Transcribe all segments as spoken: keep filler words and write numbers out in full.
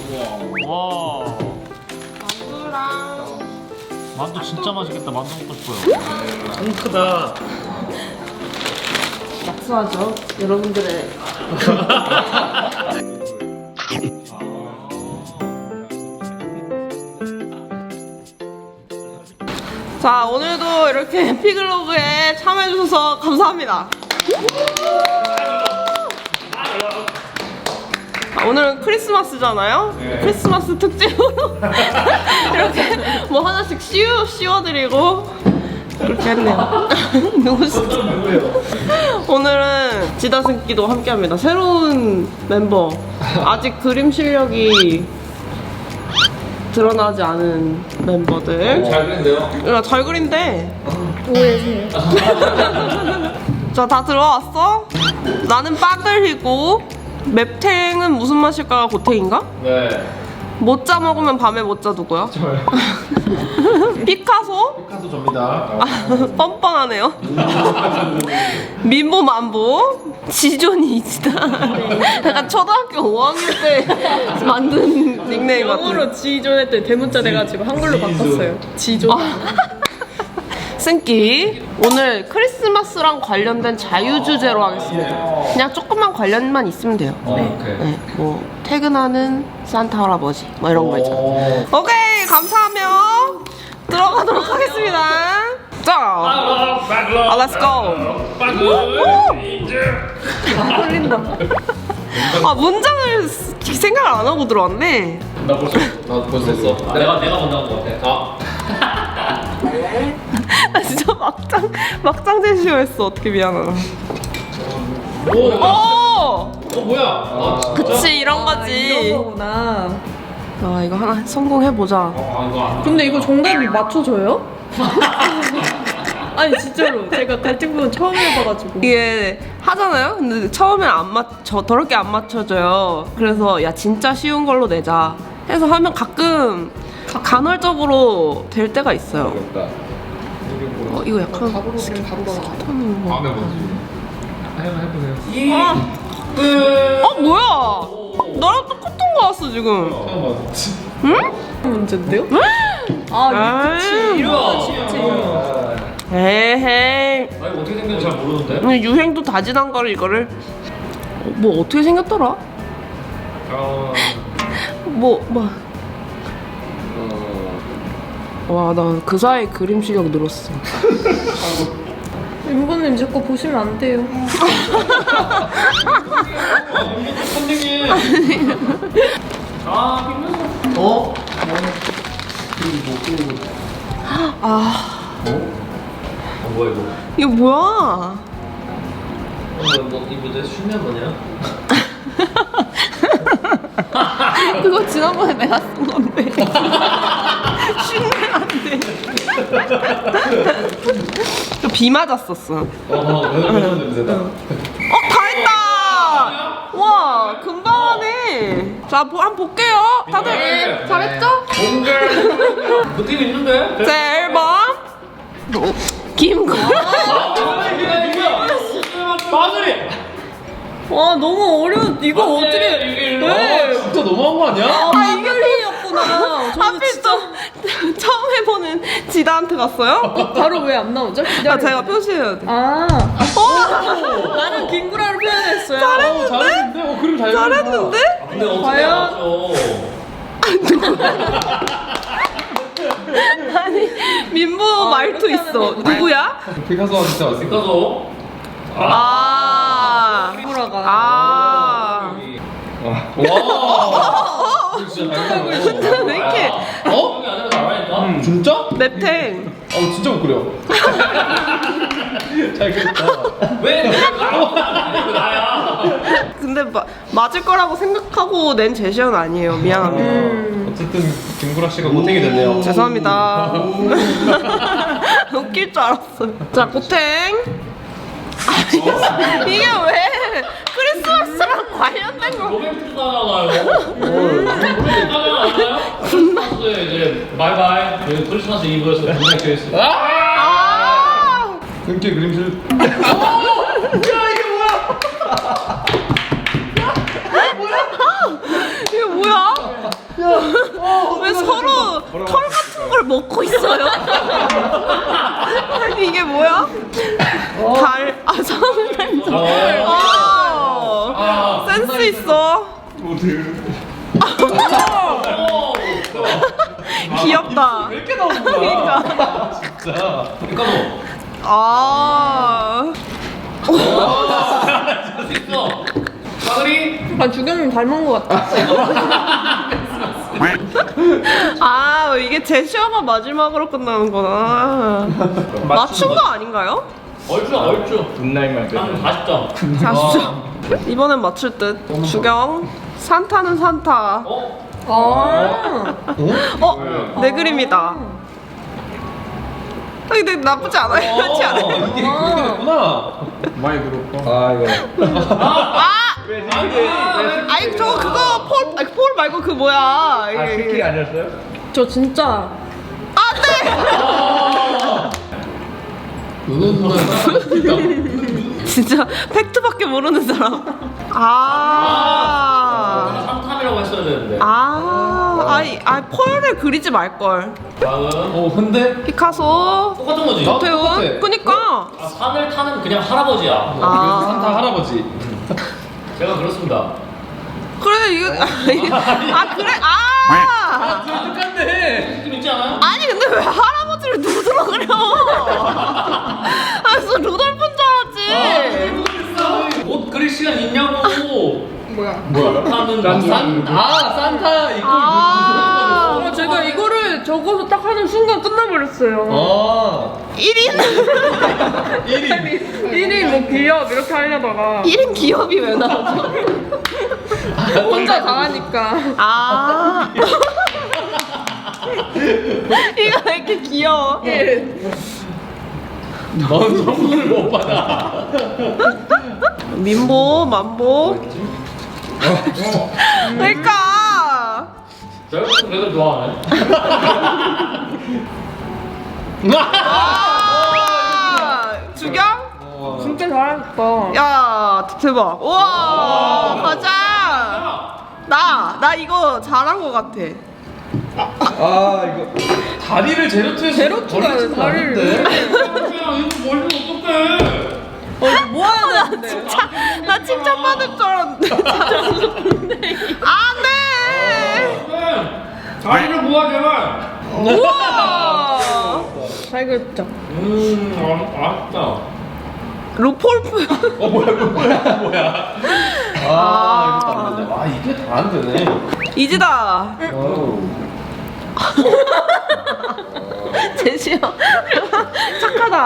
와. 만두랑 만두 진짜 맛있겠다. 만두 먹고 싶어요. 통 크다. 약수하죠. 여러분들의 자, 오늘도 이렇게 피글로그에 참여해주셔서 감사합니다. 자, 오늘은 크리스마스잖아요? 네. 크리스마스 특집으로 이렇게 뭐 하나씩 씌워, 씌워드리고 그렇게 했네요. 누구시죠? 오늘은 지다승기도 함께합니다. 새로운 멤버. 아직 그림 실력이 드러나지 않은 멤버들. 잘 그린데요? 야, 잘 그린대. 오해세요. 자, 다 들어왔어? 나는 빠들이고 맵탱은 무슨 맛일까? 고탱인가? 네. 모짜 먹으면 밤에 모짜 누구야? 저요. 피카소? 피카소 접니다. 아, 뻔뻔하네요. 민보 만보 지존이 이지다. 약간 초등학교 오 학년 때 만든 닉네임 같은. 영어로 지존 했더니 대문자 돼가지고 한글로 바꿨어요. 지존. 승기. 오늘 크리스마스랑 관련된 자유 주제로 하겠습니다. 그냥 조금만 관련만 있으면 돼요. 어, 오케이. 네, 뭐 퇴근하는 산타 할아버지 뭐 이런 거 있잖아요. 오케이, 감사하며 들어가도록 하겠습니다. 자, 아, let's go. 홀린다. 아, 문장을 생각을 안 하고 들어왔네. 나 벌써 나 벌써 했어. 내가 내가 먼저 한 거 같아. 아. 나 진짜 막장 막장 제시어했어. 어떻게 미안하다. 오. 오, 어 뭐야? 아, 그치, 이런 이런 거지. 거구나. 아, 이거 하나 성공해 보자. 아 이거 안. 근데 이거 정답이 맞춰줘요? 아니 진짜로 제가 갈등 부분 처음 해봐가지고. 이게 하잖아요. 근데 처음엔 안 맞춰, 더럽게 안 맞춰져요. 그래서 야, 진짜 쉬운 걸로 내자 해서 하면 가끔 간헐적으로 될 때가 있어요. 어렵다. 어, 이거 약간 바로 그냥 바로 가. 타는 거. 다음에 뭐지? 한번 해보세요. 아, 어, 뭐야? 나랑 똑같은 거 왔어 지금. 처음 봤어. 응? 문제인데요? 아 그치 이런 건 쉽지. 에헤이. 나 이거 어떻게 생겼는지 잘 모르는데. 근데 유행도 다지난 거를 이거를 어, 뭐 어떻게 생겼더라? 어. 뭐 뭐. 와, 나 그 사이 그림 실력 늘었어. 윤보님 자꾸 보시면 안 돼요. 선생님. 아 끝났어. 어? 아, 어? 어 뭐야 이거? 이거 뭐야? 어, 뭐, 이 뭐지? 쉰면 뭐냐? 그거 지난번에 내가 쓴 건데. 쉰내 안 돼. 비 맞았었어. 어허, 매운 냄새다. 어, 다 했다! 와, 금방 하네. 자, 보, 한번 볼게요. 다들 네. 잘했죠? 뭔가 느낌 있는데? 제 일 번 김구. 마늘이! 와 너무 어려워. 이거 어떻게? 이게 네. 진짜 너무한 거 아니야? 아 이글리였구나. 저는 하필 진짜 또 처음 해보는 지다한테 갔어요? 바로 왜 안 나오죠? 아, 제가 표시해야 돼. 아 어? 나는 김구라로 표현했어요. 어, 잘했는데? 어, 그림 잘 잘했는데? 근데 어떻게 과연? 알았죠? 아니, 민보 말투 이렇게 있어. 하는 거 누구야? 피카소가 진짜 왔어. 피카소? 아. 김구라가. 아. 와. 진짜 잘 그려. 근데 왜 이렇게 어? 음, 진짜? 맵탱. 어, 진짜 못 그려. 잘 그렸다. 왜? 나야. 근데 마, 맞을 거라고 생각하고 낸 제시어는 아니에요. 미안합니다. 음. 어쨌든 김구라 씨가 고탱이 됐네요. 죄송합니다. 웃길 줄 알았어요. 자, 고탱. 아, 이게 왜 크리스마스랑 관련된 거? 로맨틱 나와요. 로맨틱 나와요? 크리스마스에 이제 바이바이. 크리스마스 이브에서 분명히 있어. 아! 끊기 그림실. 이게 뭐야? 왜 서로 털 같은 걸 먹고 있어요? 아니 이게 뭐야? 달, 아 성달. 아, 아, 센스 있어. 귀엽다. 왜 이렇게 나오는 거야? 그러니까. 진짜. 그러니까 뭐. 아. 할수 있어. 빠그리. 아 주경님 닮은 것 같아. 아 이게 제시어가 마지막으로 끝나는구나. 맞춘 거 아닌가요? 얼추 얼추. 분날만 한 사십 점. 사십 점. 이번엔 맞출 듯. 주경. 산타는 산타. 어? 아. 어? 내 그림이다. 아, 근데 나쁘지 않아요. 그렇지 않아요? 이게 그렇게 됐구나. 많이 들었고. 아 이거. 아! 아니, 아니 저거 그거 폴, 아니, 폴 말고 그 뭐야. 아 이게- 스키 아니었어요? 저 진짜 진짜 팩트밖에 모르는 사람. 아. 삼탑이라고 했어야 되는데. 아. 아이, 아 폴을 그리지 말 걸. 다음. 어 근데 피카소. 똑같은 거지. 나- 태훈. 똑같아. 그니까. 아, 산을 타는 그냥 할아버지야. 아. 산타 할아버지. 제가 그렇습니다. 그래 이거. 아 그래. 아. 똑같네. 느낌 있지 않아요? 아니 근데 왜 할아버지를 누드러 그려? 아, 그래서 루돌프인 줄 알았지. 옷 그릴 시간 있냐고. 뭐야? 뭐야? 타는 난 산, 아 산타 이걸 아. 어, 제가 이거를 적어서 딱 하는 순간 끝나버렸어요. 아 일 인 일 인. 일 인 뭐 기업 이렇게 하려다가 일 인 기업이 왜 나오죠? 혼자 다 하니까. 아. 이거 왜 이렇게 귀여워? 넌 선물을 못 받아. 민보, 만보. 그러니까. 내가 내가 좋아하네. 아, 주경? 진짜 잘하셨다. 야, 대박. 우와, 가자. 나, 나 이거 잘한 것 같아. 아 이거 다리를 제로투에서 제로투가 걸리지는 다리를 않는데. 그냥 이거 멀리 어떡해? 어, 뭐 해야 나 되는데? 진짜, 나 칭찬받을 줄 알았는데. 안 돼. 네. 다리를 모아 제발. 우와. 잘 그렸죠? 음, 아, 아쉽다. 루폴프. 어 뭐야 이거 뭐야 뭐야. 아 이것도 안 되네. 아 이게 다 안 되네. 이지다. 어우. 제시어. 착하다.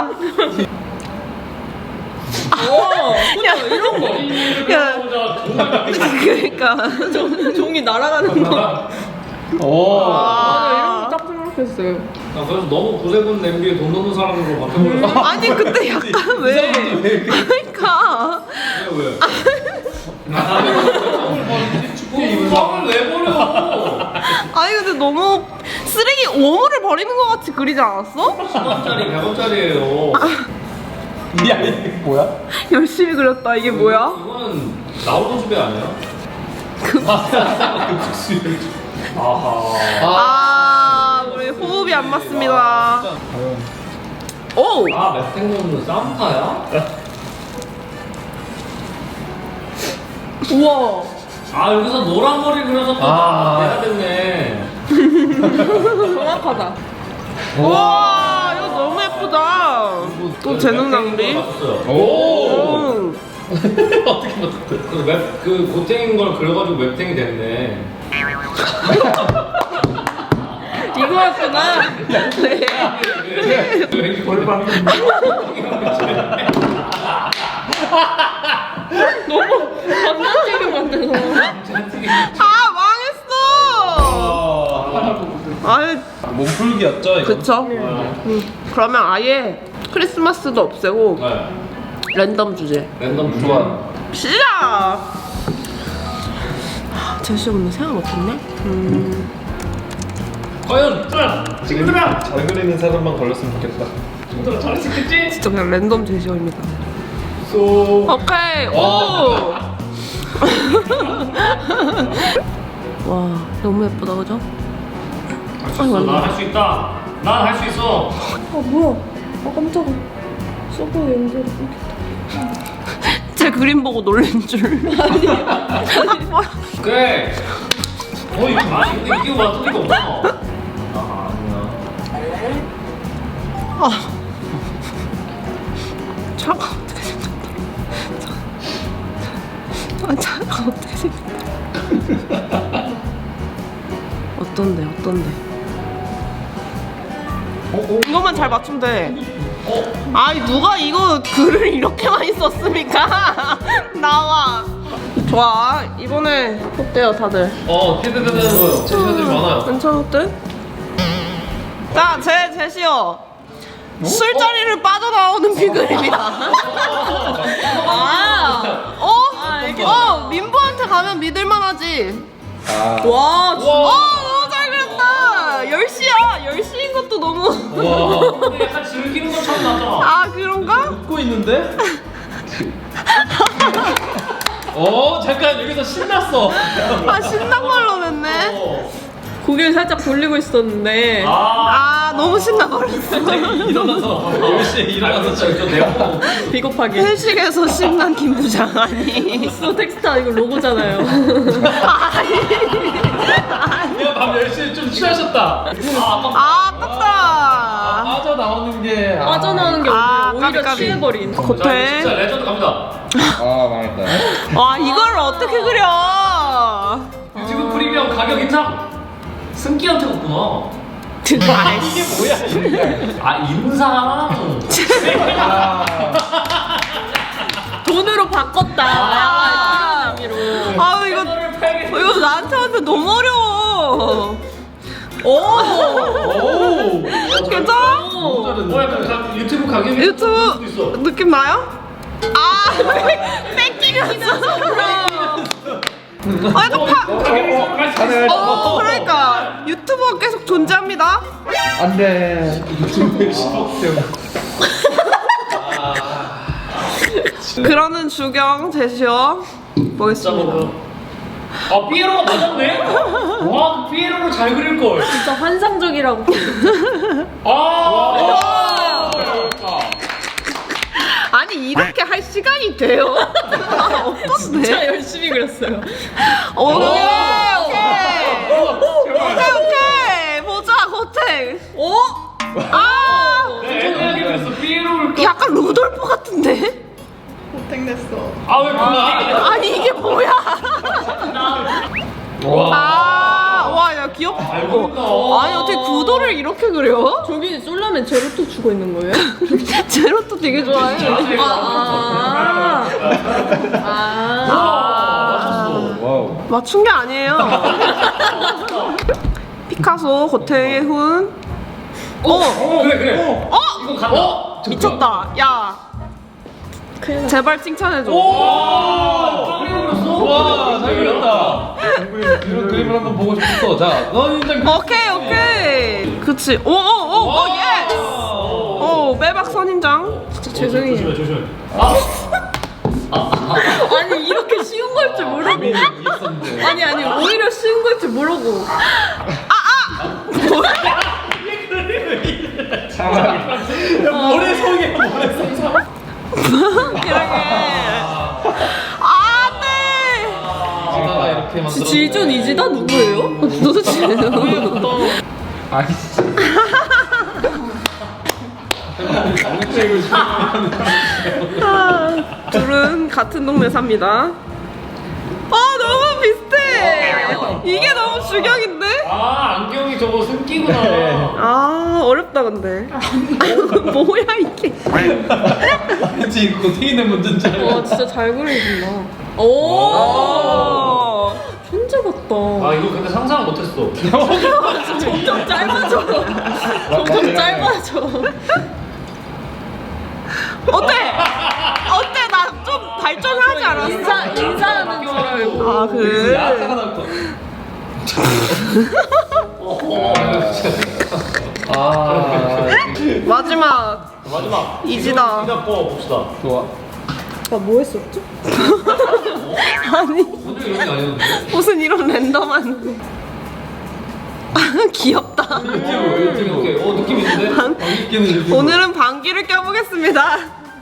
야, 이런 거. 야. 보자. 그러니까. 종이 날아가는 거. 오. 아, 이런 아. 거 딱 생각했어요. 나 그래서 너무 구세군 냄비에 돈 넣는 사람으로 바뀌어버렸어. 아니 근데 약간 왜? 그러니까. 왜 왜? 빵을 왜 버려? 아니 근데 너무 쓰레기 오물을 버리는 것 같이 그리지 않았어? 십 원짜리 백 원짜리예요. 야 이게 뭐야? 열심히 그렸다. 이게 뭐야? 이거는 나오는 집에 아니야? 급식수를. 아하. 아 우리 호흡이 안 맞습니다. 오. 아 맵탱고는 산타야? 우와. 아 여기서 노란 머리 그려서 또 아. 내가 됐네. 정확하다. 와 이거 너무 예쁘다. 또 재능 낭비. 맞았어요. 오. 음. 어떻게 맞았대? 그 웹, 그 고탱인 걸 그려가지고 웹탱이 됐네. 이거였구나. 네. 골반. 너무 감자튀김 만들어. 아 망했어. 아 몸풀기였죠 이거. 그쵸? 음. 그러면 아예 크리스마스도 없애고 네. 랜덤 주제. 랜덤 좋아. 시작. 제시 근데 생각 못했네. 음. 과연 친구들아, 잘 그리는 사람만 걸렸으면 좋겠다. 친구들아 잘할 수 있겠지? 진짜 그냥 랜덤 제시어입니다. 소. 오케이. 오. 와. 와 너무 예쁘다 그죠? 난 할 수 있다. 난 할 수 있어. 아 뭐야? 아 깜짝아. 서버 연결이 끊겼다. 제 그림 보고 놀란 줄. 아니. 아, 뭐야? 그래. 어 이거 아니 근데 이게 와 소리가 없어. 아 아니야. 아. 차가 어떻게 생겼다. 아 차가 어떻게 생겼다. 어떤데 어떤데? 어, 어? 이것만 잘 맞추면 돼. 어? 아니 누가 이거 글을 이렇게 많이 썼습니까? 나와. 좋아. 이번에 어때요 다들? 어 기대되는 제시어들이 많아요. 괜찮았대? 자, 제 제시어. 술자리를 빠져나오는 비글입니다. 아, 어? 어, 민보한테 가면 믿을만하지. 아. 와 어, 너무 잘 그렸다. 열 시야. 열 시인 것도 너무. 와. 근데 약간 즐기는 것처럼 나잖아. 아, 그런가? 웃고 있는데? 어 잠깐 여기서 신났어. 아, 신난 걸로 냈네. 어. 고개를 살짝 돌리고 있었는데. 아. 아, 너무 신나버렸어. 일어나서 열 시에 일어나서 진짜 저 내가 비겁하게. 회식에서 신난 김 부장 아니. 소 텍스타 이거 로고잖아요. 내가 밤 열 시에 좀 취하셨다. 아 아까 아, 아깝다. 빠져나오는 게 아. 빠져나오는 게 아, 오히려, 오히려 까비, 까비. 취해버린. 자, 이거 겉에. 진짜 레전드 갑니다. 아 망했다. 와, 이걸 어떻게 그려? 유튜브 프리미엄 가격 인상. 승기한테 줬구나. 이게 뭐야? 아 인상. 아. 돈으로 바꿨다. 아. 약간 그런 의미로. 아, 이거 이거 나한테 하는데 너무 어려워. 오. 오. 괜찮아? 너무 잘했네. 어 약간 가- 유튜브 가격이 유튜브 있어. 느낌 나요? 아, 뺏기면서. 아, 약간 파. 가격이 가능할 어, 그러니까 유튜버가 계속 존재합니다. 안돼. 유튜브 백십억 때문에. 그러는 주경 제시어 보겠습니다. 아 피에로가 맞았네? 와 피에로를 잘 그릴 걸. 진짜 환상적이라고. 아. 아니 이렇게 할 시간이 돼요? 어떤데? 진짜 열심히 그렸어요. 오케이 오케이 오케이 오케이 보자 고택. 오. 아 네, 애매하게 그랬어. 피에로를. 약간 루돌프 같은데? 아왜 그나? 아니 이게 뭐야? 와. 아와야 귀엽다. 잘 그린다. 아니 어떻게 구도를 이렇게 그려? 저기 쏠라면 제로투 주고 있는 거예요? 제로도 되게 좋아해. 아. 아. 아. 맞췄어. 와우. 맞춘 게 아니에요. 피카소 고택의 훈. 어 어 그래 그래. 어? 이거 간다. 미쳤다. 야 큰일 났 제발 칭찬해줘. 와. 빵이로 그렸어? 와, 잘 그렸다. 이런 그림을 한번 보고 싶었어. 자, 넌 인정. 오케이 오케이. 그치. 오오오오 예스. 오 빼박 선인장. 진짜 죄송해요. 조심해 조심해. 아. 아니 이렇게 쉬운 걸 줄 모르고. 고민이 있었는데. 아니 아니 오히려 쉬운 걸 줄 모르고. 야, 모래성이야, 모래성. 이렇게. 안돼. 지나가 이렇게 만들어. 지준 이지다 누구예요? 도대체. 아니, 진짜. 아, 둘은 같은 동네 삽니다. 아 너무 비슷해. 이게 너무 주경인데? 아 안경이 저거 승기구나. 아 어렵다 근데. 뭐야 이게? 왠지 이거 고탱이는 문제인 줄 알고. 와 진짜 잘 그리신다. 오. 어. 천재 같다. 아 이거 근데 상상 못했어. 점점 짧아져. 점점 짧아져. 어때? 어때? 나 좀 발전하지 않았어? 인사 인사하는 줄 알고. 아 그래? 야자가 나올 거. 아, 마지막 마지막 이지다. 이지다 거 봅시다. 좋아. 나 뭐 했었죠? 아니 오늘 이런 게 아니었는데. 무슨 이런 랜덤한 귀엽다. 유튜브 유튜브 오케이. 어 느낌 있는데. 느끼는 유튜브. 오늘은 방귀를 껴보겠습니다.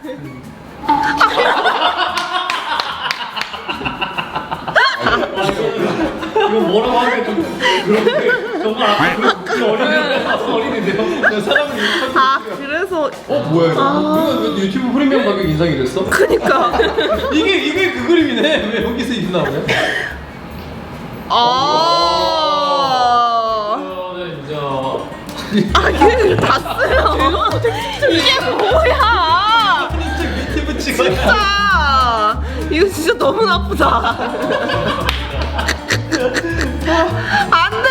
이거 뭐라고 하면 좀 그런데 정말 아까 그, 그 어린이인데 아까 어린인데요. 사람이 아 그래서 어 뭐야 이거? 이거 왜 유튜브 프리미엄 가격 인상이 됐어? 그니까 이게 이게 그 그림이네. 왜 여기서 이거 나오냐? 아 이거는 이제 아, 걔는 다 쓰여. 이게 뭐야? 유튜브 찍어. 진짜. 이거 진짜 너무 나쁘다. 안 돼!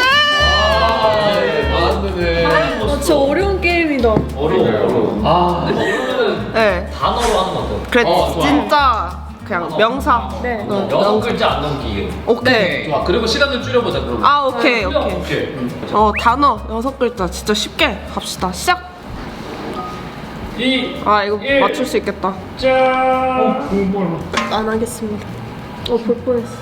안 되네. 아, 진짜 어려운 게임이다. 어려워 어려워. 아. 그러면은 네. 단어로 하는 거 어때? 그래, 어, 좋아. 진짜. 그냥 명사. 네. 어, 여섯 글자 안 넘기게. 오케이. 좋아. 그리고 시간을 줄여보자 그럼. 아, 오케이, 오케이. 오케이. 어, 단어 여섯 글자. 진짜 쉽게 갑시다. 시작. 이 아, 이거 일. 맞출 수 있겠다. 짠. 안 하겠습니다. 어, 볼 뻔했어.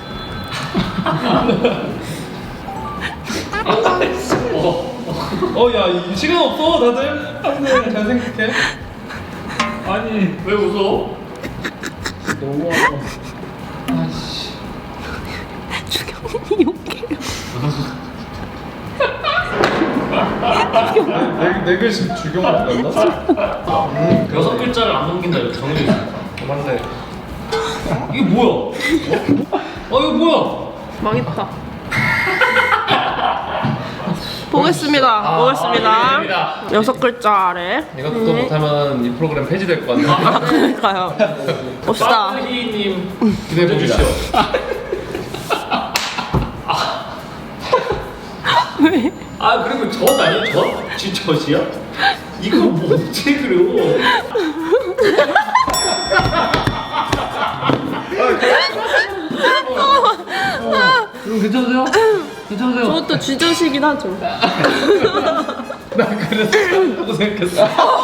어, 야, 이 시간 없어, 다들. 잘 생각해. 아니 왜 웃어? 너무 아씨. 주경이 욕해요. 네, 네 글씩 주경을 간다? 여섯 글자를 안 넘긴다 이렇게 정해져 있어. 맞네. 이게 뭐야? 어 이거 뭐야? 망했다. 보겠습니다. 아, 보겠습니다. 기대됩니다. 여섯 글자 아래. 이것도 또 못하면 이 프로그램 폐지될 것 같아. 그러니까요. 봅시다. 마크희님 기대해봅니다. 왜? 아 그리고 전 아니야 전? 지젖이야? 이거 뭐 어떻게 그려? 그럼 괜찮으세요? 괜찮으세요? 저것도 쥐젖이긴 하죠. 난 그래서 잘한다고 생각했어.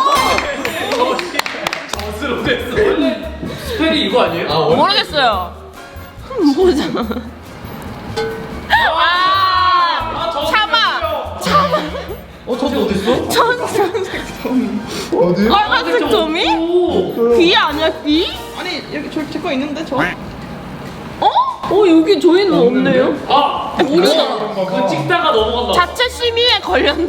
젖으로 됐어. 원래 스펠이 이거 아니에요? 아, 원래 모르겠어요. 보자. 아, 참아. 참아. 어, 저도 어딨어? 천천색 어디? 빨간색 점이? 오. 귀 아니야 귀? 아니, 여기 저 제 거 있는데, 저? 어? 어, 여기 저희는 없네요. 아 모르잖아. 그 찍다가 넘어간다. 자체 심의에 걸렸나?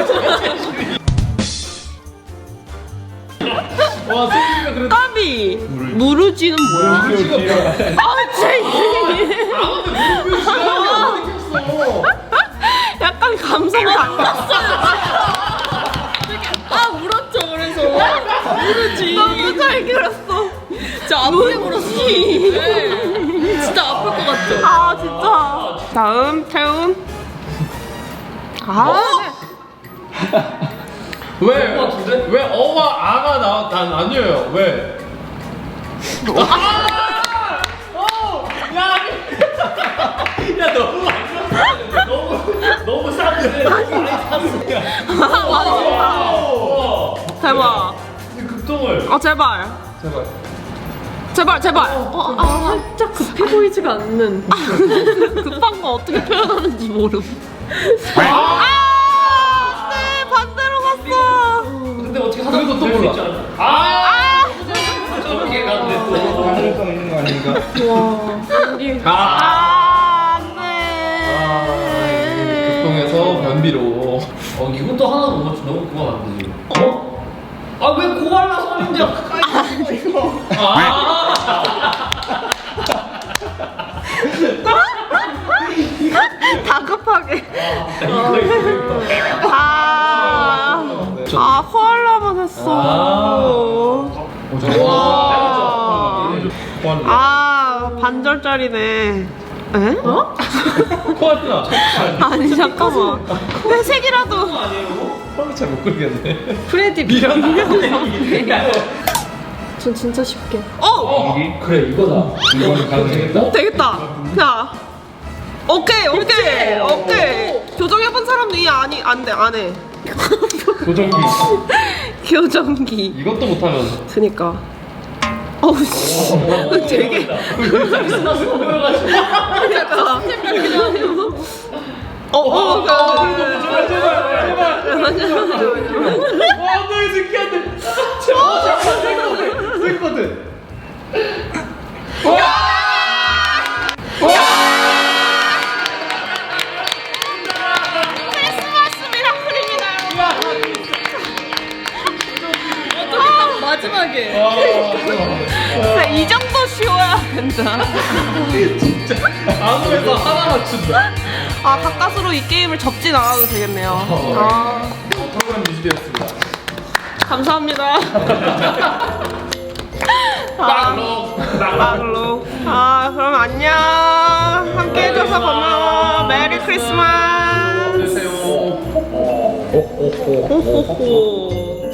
와, 승리가 그래도. 까비. 무르지는 뭐야? 아, 쟤. 약간 감성 달랐어. 아, 물었죠, 그래서. 모르지. 너무 잘 그렸어. 진짜 아프게 물었어. 네. 진짜 아플 것 같죠? 아 진짜. 다음 태훈. 아. 왜? 것 같은데? 왜 어와 아가 나, 난 아니에요. 왜? 야 너무 많이 샀어. 너무 너무 쌌는데 많이 샀어. 맞아. 대박. 급동을. 아 제발. 제발. 제발 제발. 어, 아, 살짝 급해 보이지가 않는. 급한 거 어떻게 표현하는지 모름. 아, 네 반대로 갔어. 근데 어떻게 하다 그래도 또 될수 몰라. 있지 않아? 아 저렇게 가는데 또. 가능성 있는 거 아닌가? 와, 여기. 아. 아, 안 아, 돼. 급동해서 변비로. 어 이것도 하나도 못 맞춘 너무 그거 안 되지. 어? 아 왜 고갈라 선인데? 아. 다급하게. 이거 이거. 아, 아 코알라만 했어. 아. 오, 저 와. 코알라. 아 반절짜리네. 에? 어? 코알라. 아니 잠깐만. 회색이라도. 코알라 잘못 그리겠네. 프레디 미련. 전 진짜 쉽게. 어 그래 이거다. 이거는 가능하겠다. 되겠다. 자. 오케이 오케이 오케이. 교정해본 사람도 이 아니 안돼 안해. 고정기. 교정기. 이것도 못하면. 그니까. 어우 씨. 되게 크리스마스 선물가지고. 약간 어, 어, 어, 그, 그리고 제발, 제발, 제발. 와, 너 새끼한테. 제발, 제발, 됐거든. 크리스마스 미라클입니다. 딱 마지막에. 진짜 이 정도 쉬워야 된다. 아무에서 하나 맞춘다. 아, 가까스로 이 게임을 접진 않아도 되겠네요. 아, 프로그램 유지되었습니다. 감사합니다. 빵로. 막로. 아, 그럼 안녕. 함께 해줘서 고마워. 메리 크리스마스. 되세요. 호호호.